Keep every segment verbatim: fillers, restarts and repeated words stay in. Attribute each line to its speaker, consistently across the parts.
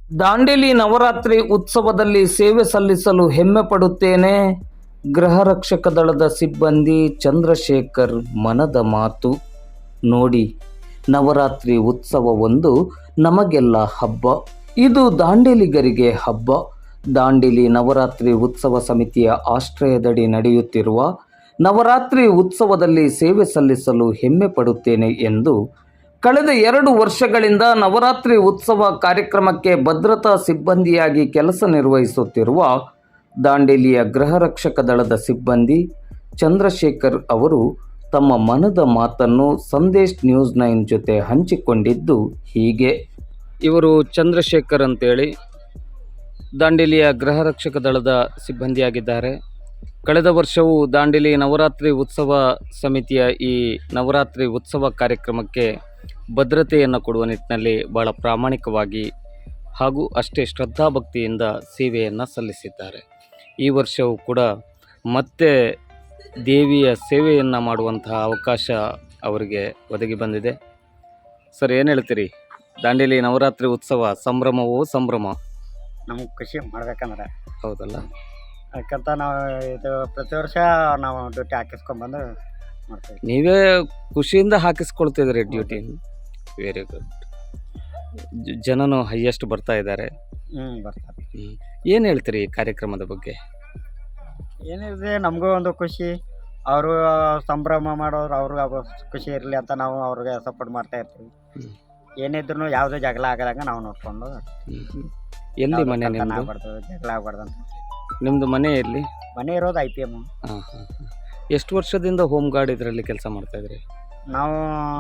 Speaker 1: ದಾಂಡೇಲಿ ನವರಾತ್ರಿ ಉತ್ಸವದಲ್ಲಿ ಸೇವೆ ಸಲ್ಲಿಸಲು ಹೆಮ್ಮೆ ಪಡುತ್ತೇನೆ. ಗೃಹ ರಕ್ಷಕ ದಳದ ಸಿಬ್ಬಂದಿ ಚಂದ್ರಶೇಖರ್ ಮನದ ಮಾತು. ನೋಡಿ, ನವರಾತ್ರಿ ಉತ್ಸವ ಒಂದು ನಮಗೆಲ್ಲ ಹಬ್ಬ. ಇದು ದಾಂಡೇಲಿಗರಿಗೆ ಹಬ್ಬ. ದಾಂಡೇಲಿ ನವರಾತ್ರಿ ಉತ್ಸವ ಸಮಿತಿಯ ಆಶ್ರಯದಡಿ ನಡೆಯುತ್ತಿರುವ ನವರಾತ್ರಿ ಉತ್ಸವದಲ್ಲಿ ಸೇವೆ ಸಲ್ಲಿಸಲು ಹೆಮ್ಮೆ ಪಡುತ್ತೇನೆ ಎಂದು ಕಳೆದ ಎರಡು ವರ್ಷಗಳಿಂದ ನವರಾತ್ರಿ ಉತ್ಸವ ಕಾರ್ಯಕ್ರಮಕ್ಕೆ ಭದ್ರತಾ ಸಿಬ್ಬಂದಿಯಾಗಿ ಕೆಲಸ ನಿರ್ವಹಿಸುತ್ತಿರುವ ದಾಂಡೇಲಿಯ ಗೃಹ ರಕ್ಷಕ ದಳದ ಸಿಬ್ಬಂದಿ ಚಂದ್ರಶೇಖರ್ ಅವರು ತಮ್ಮ ಮನದ ಮಾತನ್ನು ಸಂದೇಶ್ ನ್ಯೂಸ್ ನೈನ್ ಜೊತೆ ಹಂಚಿಕೊಂಡಿದ್ದು ಹೀಗೆ. ಇವರು ಚಂದ್ರಶೇಖರ್ ಅಂತೇಳಿ ದಾಂಡೇಲಿಯ ಗೃಹ ರಕ್ಷಕ ದಳದ ಸಿಬ್ಬಂದಿಯಾಗಿದ್ದಾರೆ. ಕಳೆದ ವರ್ಷವೂ ದಾಂಡೇಲಿ ನವರಾತ್ರಿ ಉತ್ಸವ ಸಮಿತಿಯ ಈ ನವರಾತ್ರಿ ಉತ್ಸವ ಕಾರ್ಯಕ್ರಮಕ್ಕೆ ಭದ್ರತೆಯನ್ನು ಕೊಡುವ ನಿಟ್ಟಿನಲ್ಲಿ ಭಾಳ ಪ್ರಾಮಾಣಿಕವಾಗಿ ಹಾಗೂ ಅಷ್ಟೇ ಶ್ರದ್ಧಾಭಕ್ತಿಯಿಂದ ಸೇವೆಯನ್ನು ಸಲ್ಲಿಸಿದ್ದಾರೆ. ಈ ವರ್ಷವೂ ಕೂಡ ಮತ್ತೆ ದೇವಿಯ ಸೇವೆಯನ್ನು ಮಾಡುವಂತಹ ಅವಕಾಶ ಅವರಿಗೆ ಒದಗಿ ಬಂದಿದೆ. ಸರ್, ಏನು ಹೇಳ್ತೀರಿ? ದಾಂಡೇಲಿ ನವರಾತ್ರಿ ಉತ್ಸವ ಸಂಭ್ರಮವೋ ಸಂಭ್ರಮ?
Speaker 2: ನಮ್ಗೆ ಖುಷಿ ಮಾಡ್ಬೇಕಂದ್ರೆ
Speaker 1: ಹೌದಲ್ಲ,
Speaker 2: ಯಾಕಂತ ನಾವು ಇದು ಪ್ರತಿ ವರ್ಷ ನಾವು ಡ್ಯೂಟಿ ಹಾಕಿಸ್ಕೊಂಡ್ಬಂದು ಮಾಡ್ತೀವಿ.
Speaker 1: ನೀವೇ ಖುಷಿಯಿಂದ ಹಾಕಿಸ್ಕೊಳ್ತಿದ್ರಿ ಡ್ಯೂಟಿ. Very good. ಜನನು ಹೈಯೆಸ್ಟ್ ಬರ್ತಾ ಇದ್ದಾರೆ.
Speaker 2: ಹ್ಞೂ ಬರ್ತಾರೆ.
Speaker 1: ಏನು ಹೇಳ್ತೀರಿ ಈ ಕಾರ್ಯಕ್ರಮದ ಬಗ್ಗೆ?
Speaker 2: ಏನಿದೆ, ನಮಗೂ ಒಂದು ಖುಷಿ. ಅವರು ಸಂಭ್ರಮ ಮಾಡೋರು ಅವ್ರಿಗೆ ಖುಷಿ ಇರಲಿ ಅಂತ ನಾವು ಅವ್ರಿಗೆ ಸಪೋರ್ಟ್ ಮಾಡ್ತಾ ಇರ್ತೀವಿ. ಏನಿದ್ರು ಯಾವುದೇ ಜಗಳ ಆಗದಂಗೆ ನಾವು ನೋಡ್ಕೊಂಡು
Speaker 1: ಎಲ್ಲಿ ಮನೆ ನಿಮ್ಮದು?
Speaker 2: ಆಗ್ಬಾರ್ದು, ಜಗಳ ಆಗ್ಬಾರ್ದು ಅಂತ.
Speaker 1: ನಿಮ್ಮದು ಮನೆ ಎಲ್ಲಿ?
Speaker 2: ಮನೆ ಇರೋದು ಐ ಪಿ ಎಮ್.
Speaker 1: ಹಾಂ ಹಾಂ ಹಾಂ. ಎಷ್ಟು ವರ್ಷದಿಂದ ಹೋಮ್ ಗಾರ್ಡ್ ಇದರಲ್ಲಿ ಕೆಲಸ ಮಾಡ್ತಾಯಿದ್ರಿ?
Speaker 2: ನಾವು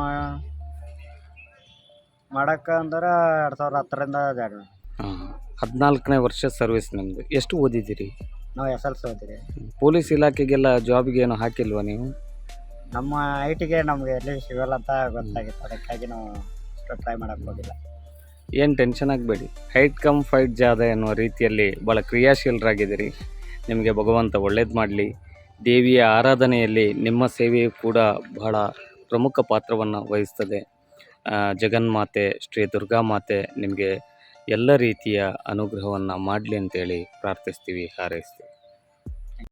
Speaker 2: ಮಾಡಕ್ಕೆ ಅಂದ್ರೆ ಎರಡು ಸಾವಿರದ ಹತ್ತರಿಂದ ಜಾಗ.
Speaker 1: ಹಾಂ, ಹದಿನಾಲ್ಕನೇ ವರ್ಷ ಸರ್ವಿಸ್ ನಿಮ್ಮದು. ಎಷ್ಟು ಓದಿದ್ದೀರಿ?
Speaker 2: ನಾವು ಎಸ್ ಎಲ್ ಸಿ ಓದಿರಿ.
Speaker 1: ಪೊಲೀಸ್ ಇಲಾಖೆಗೆಲ್ಲ ಜಾಬ್ಗೆ ಏನು ಹಾಕಿಲ್ವಾ ನೀವು?
Speaker 2: ನಮ್ಮ ಐಟಿಗೆ ನಮಗೆ ಎಲ್ಲಿ ಸಿಗಲ್ಲ ಅಂತ ಗೊತ್ತಾಗಿತ್ತು, ಅದಕ್ಕಾಗಿ ನಾವು ಅಷ್ಟು ಟ್ರೈ ಮಾಡೋಕ್ಕೆ ಹೋಗಿಲ್ಲ.
Speaker 1: ಏನು ಟೆನ್ಷನ್ ಆಗಬೇಡಿ. ಹೈಟ್ ಕಮ್ ಫೈಟ್ ಜಾದ ಎನ್ನುವ ರೀತಿಯಲ್ಲಿ ಭಾಳ ಕ್ರಿಯಾಶೀಲರಾಗಿದ್ದೀರಿ. ನಿಮಗೆ ಭಗವಂತ ಒಳ್ಳೇದು ಮಾಡಲಿ. ದೇವಿಯ ಆರಾಧನೆಯಲ್ಲಿ ನಿಮ್ಮ ಸೇವೆಯು ಕೂಡ ಬಹಳ ಪ್ರಮುಖ ಪಾತ್ರವನ್ನು ವಹಿಸ್ತದೆ. ಜಗನ್ಮಾತೆ ಶ್ರೀ ದುರ್ಗಾಮಾತೆ ನಿಮಗೆ ಎಲ್ಲ ರೀತಿಯ ಅನುಗ್ರಹವನ್ನು ಮಾಡಲಿ ಅಂತೇಳಿ ಪ್ರಾರ್ಥಿಸ್ತೀವಿ, ಹಾರೈಸ್ತೀವಿ.